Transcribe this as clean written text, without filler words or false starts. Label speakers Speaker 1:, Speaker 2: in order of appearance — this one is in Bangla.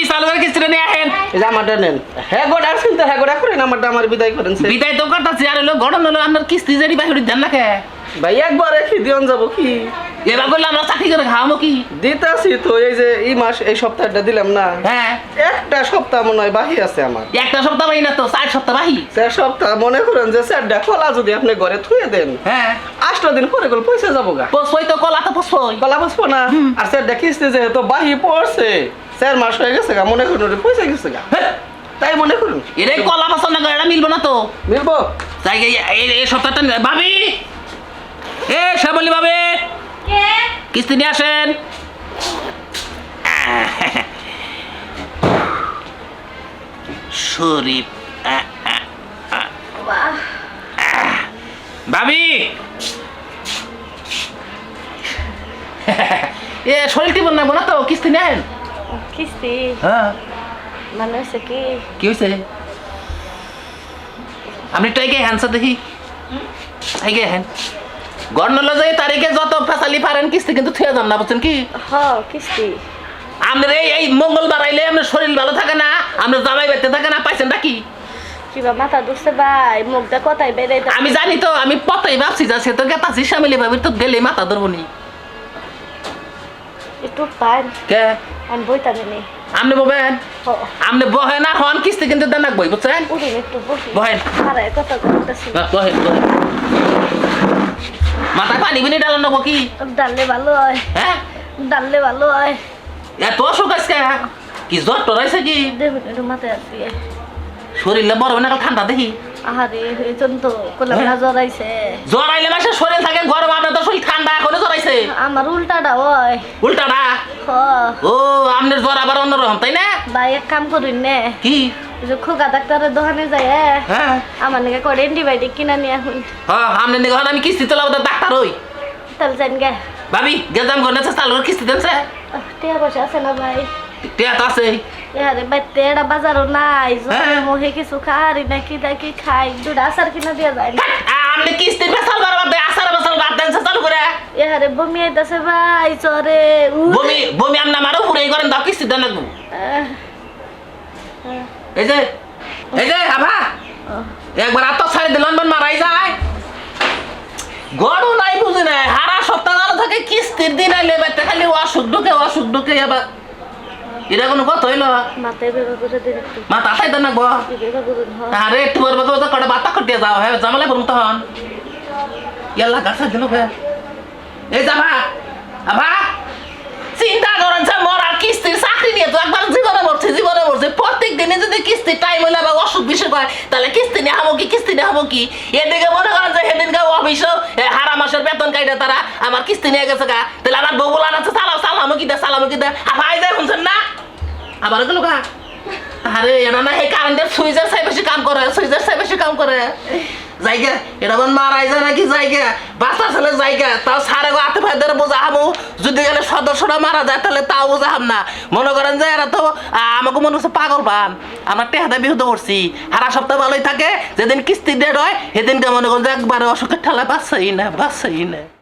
Speaker 1: সালোয়ার কিস্তিটা নিয়ে আহেন।
Speaker 2: এই যে আমারটা নেন। হ্যাঁ গোটা শুনতে হ্যাঁ গোটা করেন আমারটা আমার বিদায় করেন স্যার।
Speaker 1: বিদায় তো করতেছি আর হলো গড়ন হলো আপনার কিস্তি যেটি বাহির দেন না কে
Speaker 2: ভাই একবার রেখে দিয়ন যাবো কি
Speaker 1: এবার করলে আমরা চাকরি করে খাওয়াবো কি
Speaker 2: দিতাছি তো এই যে এই মাস এই সপ্তাহটা দিলাম না
Speaker 1: হ্যাঁ
Speaker 2: একটা সপ্তাহ মনে হয় বাহি আছে আমার
Speaker 1: একটা সপ্তাহ বাহি না তো 4 সপ্তাহ বাহি
Speaker 2: 4 সপ্তাহ মনে করেন যে স্যারটা কলা যদি আপনি ঘরে থুয়ে দেন
Speaker 1: হ্যাঁ
Speaker 2: 8 দিন পরে গেল পয়সা যাবো গা
Speaker 1: পসই তো কলা তো পসই
Speaker 2: কলা বসবো না আর স্যারটা কিস্তি যেহেতু বাহি পড়ছে 4 মাস হয়ে গেছে গা মনে করুন ওরে পয়সা গেছে গা তাই মনে করুন
Speaker 1: এরে কলা পছন্দ করে এটা মিলবো না তো
Speaker 2: মিলবো
Speaker 1: তাই এই সপ্তাহটা ভাবি এ শ্যামলি ভাবি
Speaker 3: কে
Speaker 1: কিস্তি নিয়ে আসেন শরীফ
Speaker 3: বাহ
Speaker 1: ভাবি এ শরীর টিপন না তো কিস্তি নেন
Speaker 3: কিস্তি
Speaker 1: হ্যাঁ
Speaker 3: মানে হচ্ছে কি
Speaker 1: কি হয়েছে আপনি টাইকে হ্যান্ডসা দেখি টাইকে হ্যান গণল যে তারিখে যত ফেসালি পারেন কিস্তি কিন্তু থুয়ে যান না বুঝছেন কি
Speaker 3: হ কিস্তি
Speaker 1: আপনার এই মঙ্গলবার আইলে আপনার শরীর ভালো থাকে না আপনার জামাই বেঁচে থাকে না পাইছেন নাকি
Speaker 3: কিবা মাথা দুসছে ভাই মুখটা কথাই বেড়ে
Speaker 1: আমি জানি তো আমি পতাই ভাবছি যা সে তো গেতাছি সামিলি ভাবির তো গেলে মাথা ধরবো নি
Speaker 3: একটু পান
Speaker 1: কে
Speaker 3: আমি বইতা জানি
Speaker 1: আপনি ববেন আপনি বহেন না হন কিস্তি কিন্তু দেন বই বুঝছেন
Speaker 3: উঠুন একটু বসি
Speaker 1: বহেন
Speaker 3: আরে কথা বলতেছি
Speaker 1: বহেন বহেন মাথায় পানি বিনি ডালান নেবো কি
Speaker 3: ডাললে ভালো হয়
Speaker 1: হ্যাঁ
Speaker 3: ডাললে ভালো হয়
Speaker 1: এত অসুখ আজকে কি জ্বর টরাইছে কি
Speaker 3: দেখুন একটু মাথায় আসি
Speaker 1: শরীরে বড় না ঠান্ডা দেখি
Speaker 3: আহারে হয়েছেন তো কোলে বেলা জ্বর আইছে
Speaker 1: জ্বর আইলে মাসে শরীর থাকে গরম আপনার তো শরীর ঠান্ডা এখনো জ্বর আইছে
Speaker 3: আমার উল্টাটা হয়
Speaker 1: উল্টাটা
Speaker 3: হ
Speaker 1: ও আপনার জ্বর আবার অন্যরকম তাই না
Speaker 3: ভাই এক কাম করুন নে
Speaker 1: কি
Speaker 3: ওই যে খোকা ডাক্তারের দোকানে যায়
Speaker 1: হ্যাঁ
Speaker 3: আমার নাকি করে অ্যান্টিবায়োটিক কিনা নিয়ে এখন
Speaker 1: হ্যাঁ আপনার নিকে আমি কিস্তি তোলা ডাক্তার হই
Speaker 3: তাহলে যান গে
Speaker 1: ভাবি গেজাম ঘর নেছে চালুর কিস্তি দেনছে
Speaker 3: টিয়া পয়সা আছে না ভাই
Speaker 1: টিয়া তো আছে
Speaker 3: আরে ভাই তেড়া বাজারও নাই
Speaker 1: হ্যাঁ।
Speaker 3: মোহে কিছু খারি নাকি নাকি খাই দুটা আচার কিনা দিয়া যায় না
Speaker 1: আপনি কিস্তির বেসাল বারবার দেয় আসার বেসাল বাদ দেনছে চালু করে
Speaker 3: আরে বমি আইতাছে ভাই চরে
Speaker 1: বমি বমি আপনি আমারও পুরো করেন দাও কিস্তি দেন লাগবো এই যে আভা একবার আত্ম ছাড়ি দিলাম মারাই যায় গড় নাই বুঝি নাই হারা সপ্তাহ আলো থাকে কিস্তির দিন আইলে বেতে খালি অসুখ ঢুকে আবার এটা কোনো কথা হইলো
Speaker 3: মাথায় বের করে দিন একটু
Speaker 1: মা তাতাই দেন নাকবো
Speaker 3: বের করুন
Speaker 1: আরে একটু বলবো তো কটা বাতা কটিয়ে যাও হ্যাঁ জামালে করুন তখন ইয়াল্লা গাছা দিল বে এই যাবা আভা চিন্তা করেন যে মরার কিস্তির চাকরি নিয়ে তো একবার জীবনে মরছে প্রত্যেক দিনে যদি কিস্তির টাইম হইলে বা অসুখ বিসুখ হয় তাহলে কিস্তি নিয়ে হবো কি এদিকে মনে করেন যে সেদিনকে অফিসও হারা মাসের বেতন কাইটা তারা আমার কিস্তি নিয়ে গেছে গা তাহলে আমার বউ বলান আছে সালামো কি দে আই যায় শুনছেন না আবার গেল গা আরে এরা না এই কারেন্টের সুইচের চাই বেশি কাম করে জায়গা এটা বোন মারাই যায় নাকি জায়গা বাচ্চা ছেলে জায়গা তাও সারে হাতে ফাই ধরে বোঝা হামু যদি গেলে সদস্যরা মারা যায় তাহলে তাও বোঝা হাম না মনে করেন যে এরা তো আমাকে মনে হচ্ছে পাগল পান আমরা টেহাদা বিহুত করছি সারা সপ্তাহ ভালোই থাকে যেদিন কিস্তি ডেট হয় সেদিনকে মনে করেন যে একবারে অসুখের ঠেলা বাঁচছেই না